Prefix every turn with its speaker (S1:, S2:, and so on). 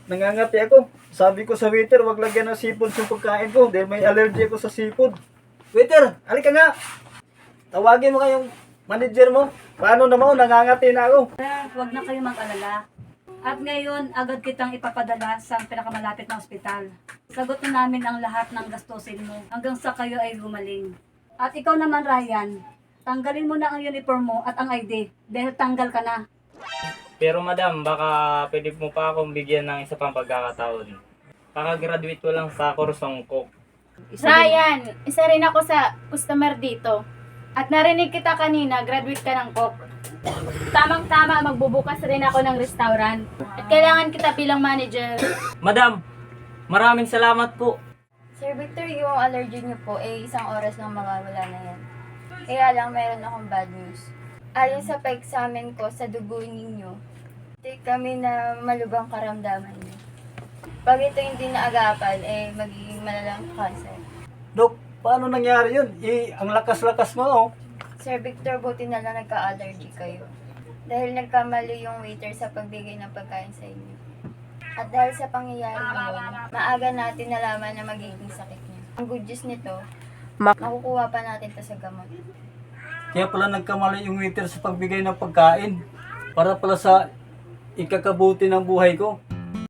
S1: nangangati ako. Sabi ko sa waiter, wag lagyan ng seafood yung pagkain ko dahil may allergy ako sa seafood. Waiter, halika nga. Tawagin mo kayong manager mo. Paano naman, nangangati na ako.
S2: Sir, huwag na kayo mag-alala. At ngayon, agad kitang ipapadala sa pinakamalapit na ospital. Sagot na namin ang lahat ng gastusin mo hanggang sa kayo ay gumaling. At ikaw naman, Ryan, tanggalin mo na ang uniform mo at ang ID dahil tanggal ka na.
S3: Pero madam, baka pwede mo pa akong bigyan ng isa pang pagkakataon. Kakagraduate ko lang sa kursong cook.
S4: Ryan, isa rin ako sa customer dito. At narinig kita kanina, graduate ka ng cook. Tamang-tama, magbubukas rin ako ng restaurant. At kailangan kita bilang manager.
S3: Madam, maraming salamat po.
S5: Sir Victor, yung allergy niyo po, isang oras lang mawawala na yan. Kaya lang, meron akong bad news. Ayon sa pa-examine ko sa dugo ninyo, take kami na malubang karamdaman niyo. Pag ito hindi naagapan, magiging malalang cancer.
S1: Dok, paano nangyari yun? Ang lakas-lakas mo, oh.
S5: Sir Victor, buti na lang nagka-allergy kayo. Dahil nagkamali yung waiter sa pagbigay ng pagkain sa inyo. At dahil sa pangyayari yun, maaga natin nalaman na magiging sakit niya. Ang good news nito, makukuha pa natin to sa gamot.
S1: Kaya pala nagkamali yung waiter sa pagbigay ng pagkain. Para pala sa ikakabuti ng buhay ko.